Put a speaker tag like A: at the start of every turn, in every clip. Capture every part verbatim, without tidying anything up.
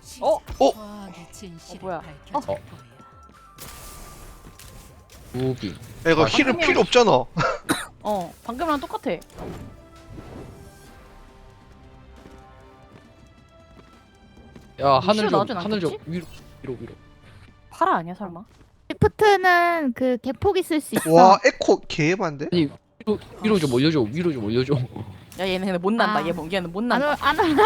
A: 어?
B: 어?
A: 어 뭐야?
C: 어. 무빙.
B: 야, 이거
C: 아,
B: 힐은
A: 방금이랑-
B: 필요 없잖아.
A: 어 방금이랑 똑같아.
C: 야 하늘 좀
A: 나오진
C: 하늘 좀
A: 않겠지?
C: 위로 위로 위로.
A: 파라 아니야 설마?
D: 시프트는 그 대폭 있을 수 있어.
B: 와, 에코 개반데?
C: 아니 위로 위로 좀 올려줘. 위로 좀 올려줘. 야,
A: 야 얘는 근데 못 난다.
D: 아.
A: 얘 뭐, 얘는 못
D: 안,
A: 난다.
D: 올- 안 올라.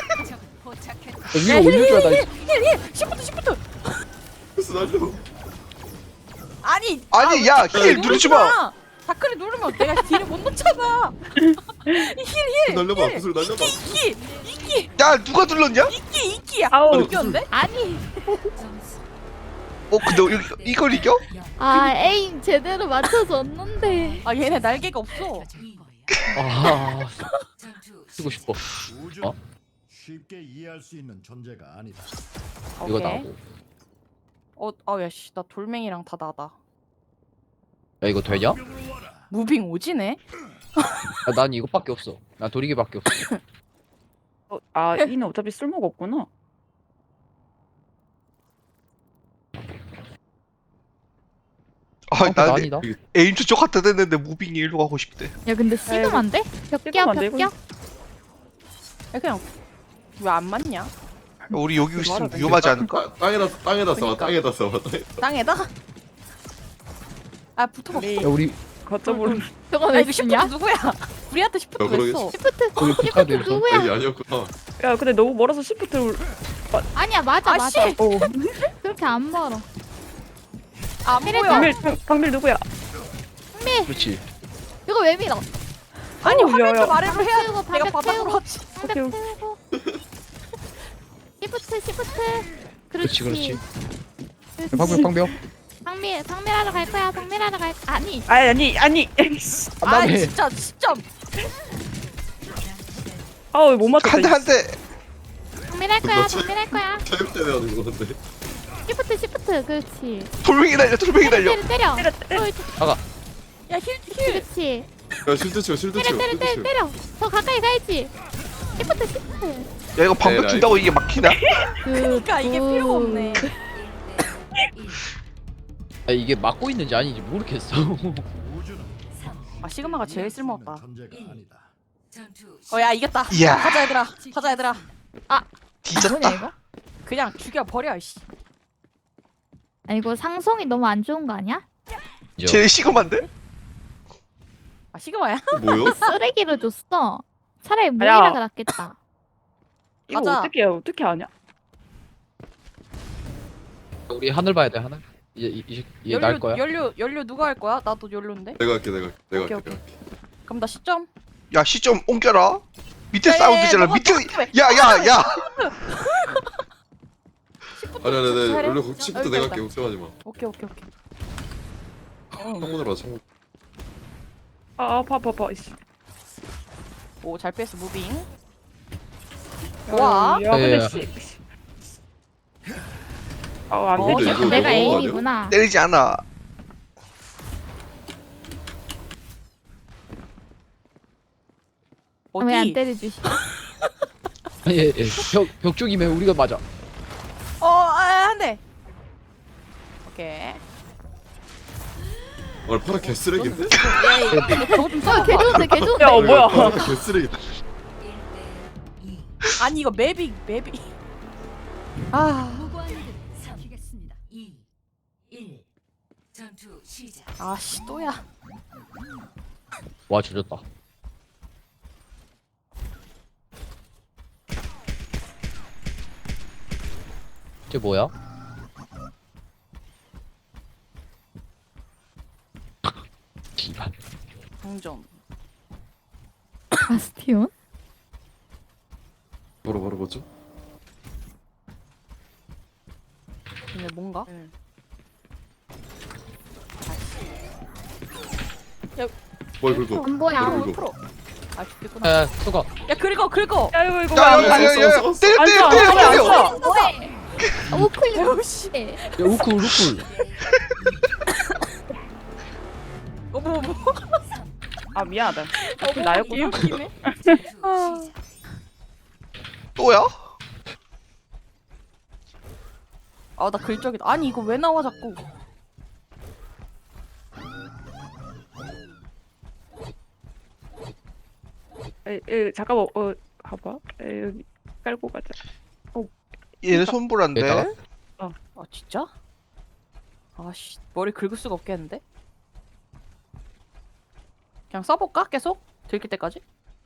C: 위로 올려줘야 나.
A: 시프트 시프트.
E: 그래서 날려.
A: 아니
B: 아니, 야, 힐 누르지 마.
A: 다크를 누르면 내가 딜을 못 넣잖아. 힐힐
E: 날려봐. 구슬 날려봐.
A: 이끼 이끼
B: 야, 누가 눌렀냐?
A: 이끼 이끼.
F: 아우.
A: 이겼는데?
D: 아니.
B: 어, 근데 이- 이걸 이겨?
D: 아 에임 제대로 맞춰줬는데.
A: 아 얘네 날개가 없어.
C: 아 쓰고 싶어.
G: 우주는
C: 어?
G: 쉽게 이해할 수 있는 존재가 아니다.
C: 이거
A: 오케이.
C: 나고.
A: 어, 아야씨 나 돌멩이랑 다 나다.
C: 야 이거 되냐?
A: 무빙 오지네?
C: 야, 난 이거밖에 없어. 나 도리개밖에 없어.
F: 어, 아 이는 어차피 쓸모가 없구나.
B: 아,
C: 어,
B: 나
C: 아니다.
B: 에임 저쪽 갖다 댔는데 무빙이 일로 가고 싶대.
D: 야 근데 시금 안 돼? 벽격
F: 시금 안 돼,
D: 벽격.
A: 야 그냥 왜 안 맞냐?
B: 야, 우리 여기 있으면
F: 말하네.
B: 위험하지 않을까?
E: 땅- 땅에다 땅에다 써.
A: 그러니까.
E: 땅에다 써. 땅에-
A: 땅에다? 아 붙어봐.
F: 우리
C: 야 우리
F: 거점으로
D: 저거
A: 야
D: 왜
A: 이거 시프트
D: 쓰냐?
A: 누구야? 우리한테 시프트
E: 야,
A: 왜
E: 그러게.
A: 써?
D: 시프트.
C: 우리
D: 시프트
C: 국가대에서
D: 누구야?
E: 여기 아니었구나.
F: 야 근데 너무 멀어서 시프트를
D: 아니야 맞아
A: 아씨!
D: 맞아.
F: 오
D: 그렇게 안 멀어.
A: 안
D: 이랬다.
A: 보여.
F: 방밀 방- 방밀 누구야?
C: 그렇지.
D: 이거 왜 밀어?
A: 아니
F: 어우, 야,
A: 화면
F: 야.
A: 좀 아래로 해야
D: 태우고,
A: 내가
D: 방벽
A: 바닥으로
D: 태우고.
A: 하지.
D: 방벽
F: 오케이.
D: 태우고. 시프트 시프트.
C: 그렇지
D: 그렇지.
C: 그렇지. 방벽 방벽.
D: 상밀 상밀하러 갈 거야. 상밀하러 갈. 아니.
F: 아니 아니 아니. 에이씨.
A: 아
C: 나네.
A: 진짜 진짜.
F: 아우 못 맞췄다.
B: 한 대, 한 대.
D: 상밀할 거야.
E: 너 체-
D: 상밀할 거야.
E: 체육 대회 하는 거 같은데.
D: 시프트 시프트. 그렇지.
B: 돌멩이 날려, 돌멩이 날려.
D: 때려 때려.
F: 때려, 때려.
D: 어,
A: 야힐 힐.
D: 그렇지.
E: 야 실드 치워 실드
D: 때려
E: 치워.
D: 때려
E: 실드
D: 때려
E: 치워.
D: 때려. 더 가까이 가야지. 시프트 시프트.
B: 야, 이거 방벽
E: 에라이.
B: 준다고 이게 막히나?
A: 그러니까 이게 필요가 없네.
C: 아 이게 막고 있는지 아닌지 모르겠어.
G: 우주는
A: 아 시그마가 제일 쓸모없다.
G: 존재가 아니다.
A: 어야 이겼다.
B: 이야.
A: 가자 얘들아. 가자 얘들아.
D: 뭐냐
B: 뒤졌다.
D: 이거?
A: 그냥 죽여 버려 이씨.
D: 아 이거 상성이 너무 안 좋은 거 아니야?
B: 제일 시금한데?
A: 아 시그마야?
E: 뭐요?
D: 쓰레기로 줬어. 차라리
F: 야.
D: 모이라가 낫겠다.
F: 이거
A: 가자.
F: 어떻게 해? 어떻게 하냐?
C: 우리 하늘 봐야 돼 하늘. 이제 이제 얘 날
A: 연료
C: 거야.
A: 연료 연료 누가 할 거야? 나도 연료인데.
E: 내가 할게 내가 할게 내가
A: 오케이,
E: 할게. 내가 할게.
A: 그럼 나 시점.
B: 야, 시점 옮겨라. 밑에
A: 야, 야,
B: 사운드잖아.
A: 야, 너가
B: 밑에.
A: 너가 왜-
B: 야, 야, 야.
E: 아니 아니 아니
A: 잘해.
E: 원래 시프트
A: 여기
E: 내가
A: 있다.
E: 할게 걱정하지 마.
A: 오케이 오케이 오케이.
E: 창문으로 와 창문.
F: 아 아파 아파 아파. 이씨.
A: 오잘 뺐어 무빙.
F: 야,
A: 와.
F: 야 근데
C: 야, 야.
F: 씨. 아안
A: 어,
F: 되지.
E: 이거
D: 내가
E: 너무한 거
D: 에임이구나.
B: 때리지 않아.
D: 왜 안
A: 어디?
D: 때려주시?
C: 아니 예, 예. 벽벽 쪽이면 우리가 맞아.
A: 어, 아, 한 대. 오케이.
E: 아 파라 개쓰레기인데?
A: 예, 저거 좀
D: 어,
A: 써.
D: 개 좋은데 개 좋은데.
F: 야 어, 뭐야?
E: 파라 개쓰레기다.
A: 아니 이거 맵이 맵이. 아, 아씨 또야.
C: 와 조졌다. 이게 뭐야? 기발.
A: 동점.
D: 바스티온?
E: 뭐라 뭐라 뭐죠?
A: 근데 뭔가?
E: 뭘 긁어?
D: 안 보여.
E: 뭘
A: 뭘
E: 긁어?
A: 풀어? 아 죽겠구나.
C: 야 수가.
A: 야 긁어 긁어.
F: 야 이거 이거
B: 야,
F: 왜안
B: 야,
F: 돼?
B: 야, 야, 야.
E: 써, 써, 써.
B: 때려,
F: 안
B: 때려,
F: 써,
B: 때려,
F: 안 써, 안
B: 때려.
F: 써.
D: 뭐해? 우클릭.
A: 야씨.
C: 야 우쿨 우쿨.
A: 어머 어머.
F: 아 미안하다. 그 나였구나.
A: 웃기네. 아,
B: 또야?
A: 아 나 글적이다. 아니 이거 왜 나와 자꾸.
F: 에, 에, 잠깐만 어 봐봐. 에, 여기 깔고 가자.
B: 얘네 손보라인데.
C: 얘다가?
A: 아 진짜? 아씨 머리 긁을 수가 없겠는데? 그냥 써볼까? 계속? 들킬 때까지?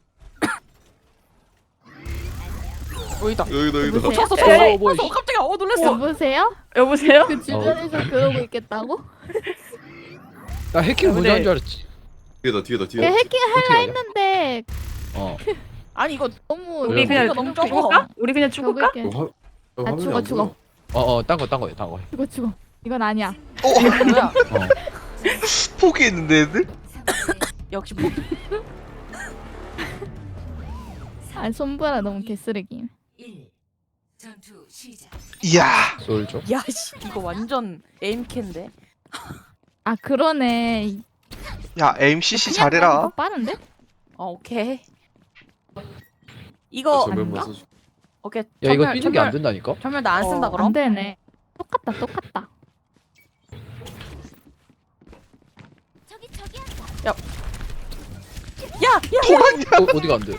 A: 어이다.
E: 여기다 여기다.
D: 여보세요?
A: 쳤어
F: 에,
A: 쳤어.
C: 어, 뭐야,
A: 쳤어. 깜짝이야. 어 놀랬어.
D: 여보세요?
F: 여보세요?
D: 그 주변에서 그러고 있겠다고?
C: 나 해킹 먼저 한 줄 알았지.
E: 뒤에다 뒤에다
D: 그
E: 뒤에다.
D: 해킹
C: 어떻게
D: 할라
C: 하냐?
D: 했는데
C: 어.
A: 아니 이거
D: 너무
F: 우리
C: 그래,
F: 그냥
A: 너무 적어.
F: 죽을까? 우리 그냥 죽을까?
D: 적을게.
E: 어, 화- 어,
D: 아,
E: 화면이
D: 죽어,
E: 안
D: 죽어.
E: 보여.
C: 어어 딴 거 딴 거야 딴 거.
D: 죽어 죽어. 이건 아니야.
B: 어
A: 이거 뭐야?
C: 어.
B: 포기했는데 애들?
A: 역시 포.
D: 아 손보라 너무 개쓰레기.
B: 이야.
C: 솔죠.
A: 야씨 이거 완전 에임캔데.
D: 아 그러네.
B: 야 엠씨씨
D: 그냥
B: 잘해라.
D: 가니까 빠른데?
A: 어 오케이.
E: 아,
A: 이거
E: 전면만
A: 아닌가?
E: 써줘.
A: 오케이.
C: 야 이거
A: 전멸,
C: 뛰는 게 안
A: 전멸,
C: 된다니까.
A: 전멸 나 안 쓴다
F: 어,
A: 그럼?
D: 안 되네. 똑같다 똑같다.
A: 야, 야,
B: 도란이야.
C: 어, 어디가 안 돼?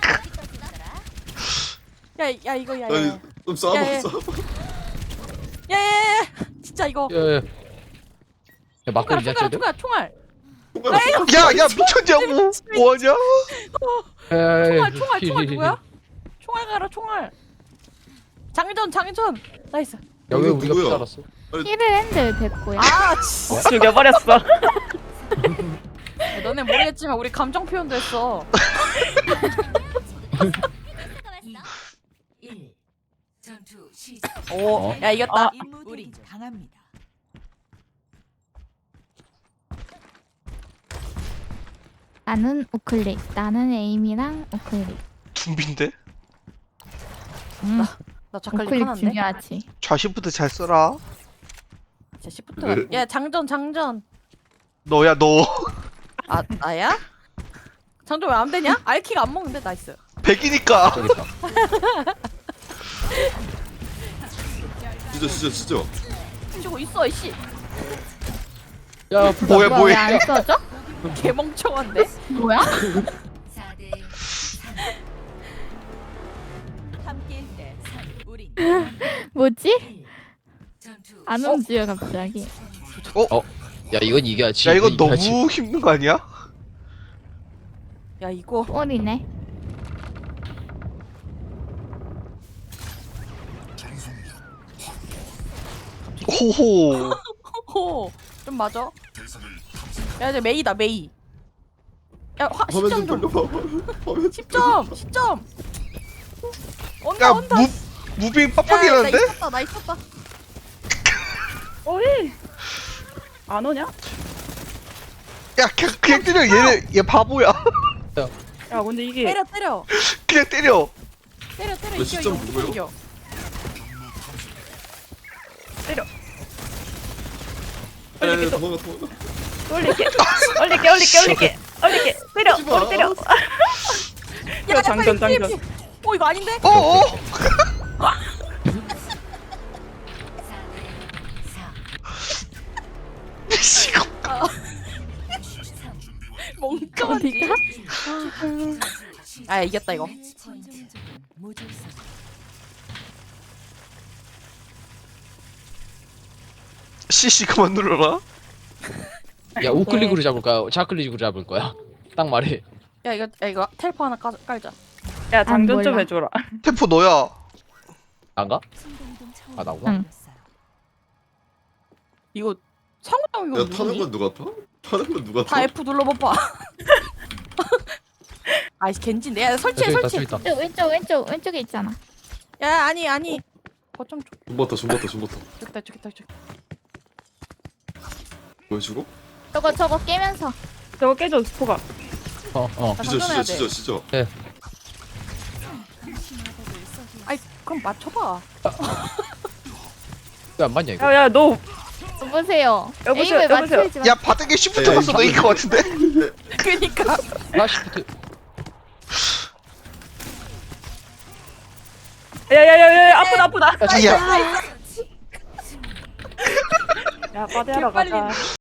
A: 야, 야 이거 야, 야,
E: 아니
A: 야,
E: 좀 싸봐
A: 야, 야.
E: 싸봐.
A: 야, 야, 야, 야. 진짜 이거.
C: 야야. 야 막걸리
A: 총알,
C: 냐
A: 총알,
C: 쟤들?
A: 총알, 총알.
B: 야야 미쳤냐고. 뭐하냐?
C: 야야야.
A: 총알, 총알, 총알 누구야? 총알 가라, 총알. 장전, 장전. 나이스.
C: 야왜
E: 이거
C: 우리가
E: 누구야?
C: 살았어?
D: 힐을 했는데 됐고요.
A: 아, 진짜.
F: 죽여버렸어.
A: 야, 너네 모르겠지만 우리 감정 표현도 했어. 오,
C: 어?
A: 야 이겼다.
H: 우리 강합니다.
D: 나는 우클릭. 나는 에임이랑 우클릭.
B: 둠빈데?
D: 음,
A: 나 작갈리
D: 우클릭
A: 하나인데.
D: 중요하지.
B: 좌시부터 잘 써라.
A: 자, 시프트가.
E: 네.
A: 야, 장전, 장전.
B: 너야 너.
A: 아, 나야? 장전 왜 안 되냐? 알키가 안 먹는데 나이스.
B: 백이니까.
C: 저기 있다.
E: 진짜 진짜 진짜.
A: 치고 있어, 이씨.
C: 야
B: 뭐야 뭐해?
D: 왜안 써져?
A: 개멍청한데?
D: 뭐야?
H: 함께일 때 우리
D: 뭐지? 안 움직여 갑자기.
C: 야 이건 이겨야지.
B: 야 이거
C: 이건 이겨야지.
B: 너무 힘든 거 아니야?
A: 야, 이거.
D: 꼴이네.
B: 호호.
A: 호, 좀 맞아. 야, 이제 메이다, 메이. 야, 화,
E: 화면
A: 십 점
E: 좀
A: 좀.
E: 돌려봐. 화면.
A: 십 점, 십 점. 온다,
B: 야
A: 온다.
B: 무 무빙
A: 야, 야, 나
B: 빡빡이라는데?
A: 있었다, 나 있었다.
F: 어이. 안 오냐?
B: 야 그냥, 그냥 때려 얘네 얘 바보야.
F: 야 근데 이게
A: 때려, 때려.
B: 그냥 때려.
A: 때려, 때려.
E: 너
A: 이겨,
E: 십
A: 이겨,
E: 점
A: 무조건
E: 누구요?
A: 이겨.
F: 올릴게 또
E: 도망가 도망가.
F: 올릴게 올릴게 올릴게 올릴게 올릴게 때려
E: 하지 마.
F: 머리 때려.
A: 야,
F: 야,
A: 야,
F: 장전,
A: 빨리 피해,
F: 장전.
A: 피해. 어, 이거 아닌데?
B: 어어. 미치고.
A: 멍청하지. 아, 이겼다 이거.
B: 씨씨 그만 눌러라.
C: 야 우클릭으로 잡을 거야? 좌클릭으로 잡을 거야? 딱 말해.
A: 야, 이거, 야, 이거 텔포 하나 깔, 깔자.
F: 야 장전 좀
D: 몰라.
F: 해줘라.
B: 템포 너야.
C: 안 가? 아 나구나.
D: 응.
A: 이거 성우형 이거
E: 야 타는
A: 누구니?
E: 건 누가 타? 타는 건 누가
A: 다
E: 타?
A: F 눌러봐봐. 아이 겐지인데. 야, 설치해,
C: 저기 있다
A: 설치해.
C: 저기 있다.
D: 저 왼쪽 왼쪽 왼쪽에 있잖아.
A: 야, 아니, 아니. 거점 좀.
E: 존버터 존버터 존버터.
A: 저기다, 저기다, 저기.
E: 보여주고?
D: 저거 저거 깨면서.
F: 저거 깨져 스포가.
C: 어 어.
A: 나
E: 진짜
A: 장전해야
E: 진짜
A: 돼.
E: 진짜 진짜.
A: 아이, 그럼 맞춰봐.
C: 왜 안 맞냐 이거?
F: 야야 너
D: 여보세요.
F: 여보세요,
D: 에임을
F: 여보세요.
D: 맞추지 마.
B: 야 바닥에 시프트
E: 에이,
B: 갔어 너 이길 것 같은데?
A: 그니까.
C: 나 시프트.
F: 야야야야 아프다 아프다.
B: 야
F: 야 과대하러
A: 개빨리
F: 가자.